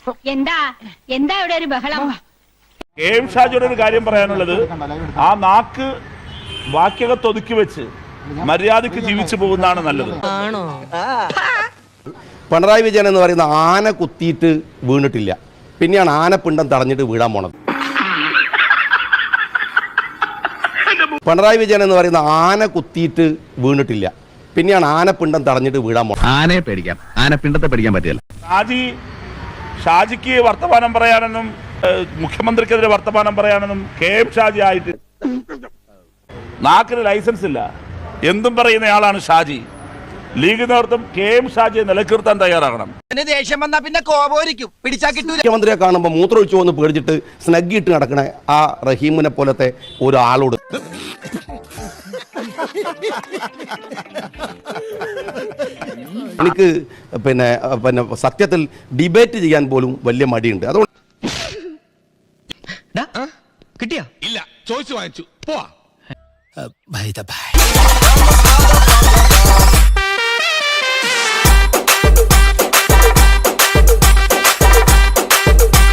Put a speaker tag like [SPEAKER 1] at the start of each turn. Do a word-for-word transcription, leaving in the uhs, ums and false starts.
[SPEAKER 1] എന്താ എന്താ ഇവിടെ ഒരു ബഹളം?
[SPEAKER 2] കെ എം ഷാജിയുടെ ഒരു കാര്യം പറയാനുള്ളത്, ആ നാക്ക് വാക്യകത്ത് ഒതുക്കി വെച്ച് മര്യാദക്ക് ജീവിച്ചു പോകുന്നതാണ് നല്ലത്.
[SPEAKER 3] പിണറായി വിജയൻ എന്ന് പറയുന്ന ആന കുത്തിയിട്ട് വീണിട്ടില്ല, പിന്നെയാണ് ആനപ്പിണ്ടം തടഞ്ഞിട്ട് വീഴാൻ പോണത്. പിണറായി വിജയൻ എന്ന് പറയുന്ന ആന കുത്തിയിട്ട് വീണിട്ടില്ല, പിന്നെയാണ് ആനപ്പിണ്ടം തടഞ്ഞിട്ട് വീഴാൻ പോണത്. ആനയെ പേടിക്കാം, ആനപ്പിണ്ടത്തെ പേടിക്കാൻ പറ്റില്ല.
[SPEAKER 2] ഷാജി ഷാജിക്ക് വർത്തമാനം പറയാനെന്നും മുഖ്യമന്ത്രിക്കെതിരെ വർത്തമാനം പറയാനെന്നും കെ എം ഷാജി ആയിട്ട് നാക്കിന് ലൈസൻസ് ഇല്ല. എന്തും പറയുന്നയാളാണ് ഷാജി. ലീഗ് നേതൃത്വം കെ എം ഷാജിയെ നിലനിർത്താൻ തയ്യാറാകണം.
[SPEAKER 3] മുഖ്യമന്ത്രിയെ കാണുമ്പോൾ മൂത്രമൊഴിച്ചു വന്ന് പേടിച്ചിട്ട് സ്നഗ്ഗിയിട്ട് നടക്കണ ആ റഹീമിനെ പോലത്തെ ഒരാളോട് എനിക്ക് പിന്നെ പിന്നെ സത്യത്തിൽ ഡിബേറ്റ് ചെയ്യാൻ പോലും വലിയ മടിയുണ്ട്. അതുകൊണ്ട്
[SPEAKER 4] കിട്ടിയാ ഇല്ല, ചോദിച്ചു വാങ്ങിച്ചു പോവാ.